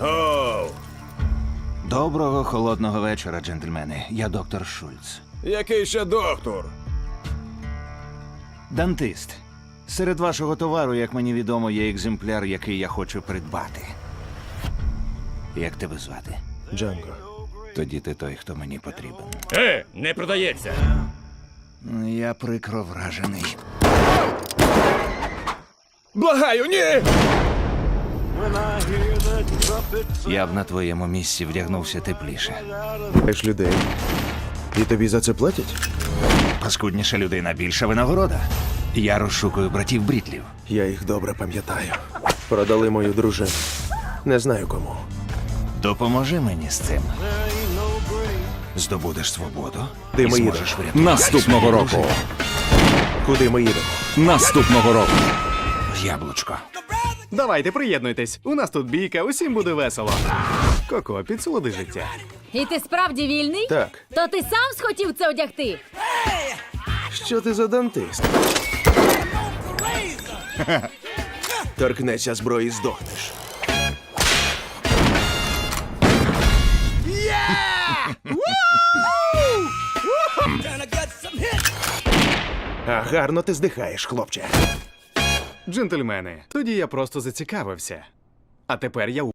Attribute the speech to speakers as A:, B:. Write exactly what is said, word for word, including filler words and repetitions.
A: Оу,
B: Доброго холодного вечора, джентльмени. Я доктор Шульц.
A: який ще доктор?
B: Дантист. Серед вашого товару, як мені відомо, є екземпляр, який я хочу придбати. Як тебе звати?
A: Джанго.
B: Тоді ти той, хто мені потрібен.
C: Е, не продається.
B: Я прикро вражений.
A: Благаю, ні!
B: Я б на твоєму місці вдягнувся тепліше.
A: Маєш людей. І тобі за це платять?
B: Паскудніша людина, більша винагорода. Я розшукую братів Брітлів.
A: Я їх добре пам'ятаю. Продали мою дружину. Не знаю кому.
B: Допоможи мені з цим. Здобудеш свободу
A: Ти
B: і
A: мої
B: зможеш
A: дочі.
B: врятувати
D: Наступного
B: свою
D: року.
B: дружину.
A: Куди ми їдемо?
D: Наступного року.
B: Яблучко.
E: Давайте, приєднуйтесь. У нас тут бійка, усім буде весело. Коко, підсолоди життя.
F: І ти справді вільний?
A: Так.
F: То ти сам схотів це одягти?
A: Що ти за дантист? Торкнешся зброї, здохнеш. А гарно ти здихаєш, хлопче.
E: Джентльмени, тоді я просто зацікавився. А тепер я